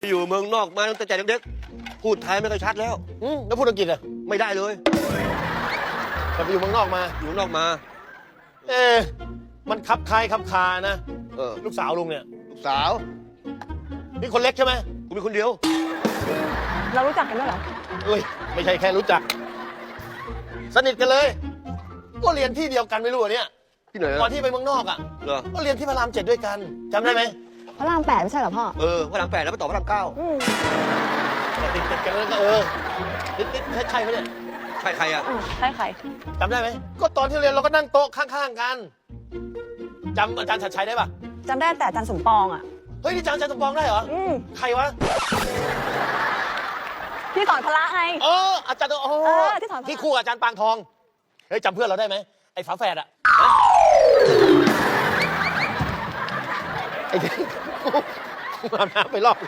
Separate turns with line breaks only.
อยู่เมืองนอกมาตั้งแต่เด็กๆพูดไทยไม่ค่อยชัดแล้ว
แล้วพูดอังกฤษอ่ะ
ไม่ได้เลย
แต่ไปอยู่เมืองนอกมา
อยู่นอกมา
มันคับคายคับคานะ ลูกสาวลุงเนี่ย
ลูกสาว
นี่คนเล็กใช่ไหม
กูมีคนเดียว
เรารู้จักกันด้วยเหรอ
เอ้ยไม่ใช่แค่รู้จัก สนิทกันเลย ก็เรียนที่เดียวกันไม่รู้เหรอเนี่ย
ที่ไหน
ก่อนที่ไปเมืองนอกอ่ะ
เหรอ
ก็เรียนที่พระราม7ด้วยกันจำได้ไหม
พระราม8ไม่ใช่เหรอพ่อ
พระราม8แล้วไปต่อพระราม9
ติดกันแล้วก็นิดใช่ไหมเนี่ย
ใช่ใครอ่ะ
ใช่ใคร
จำได้ไหมก็ตอนที่เรียนเราก็นั่งโต๊ะข้างๆกันจำอาจารย์ชัดชัยได้ปะ
จำได้แต่อาจารย์สมปองอ่ะ
เฮ้ยนี่จำอาจารย์สมปองได้เหรอใครวะ
พี่สอนพละไง
อาจารย์
ที่สอนพละ
ที่คู่กับอาจารย์ปางทองเฮ้ยจำเพื่อนเราได้ไหมไอ้ฝาแฝดอะไอ้ที่อาบน้ำไปรอบ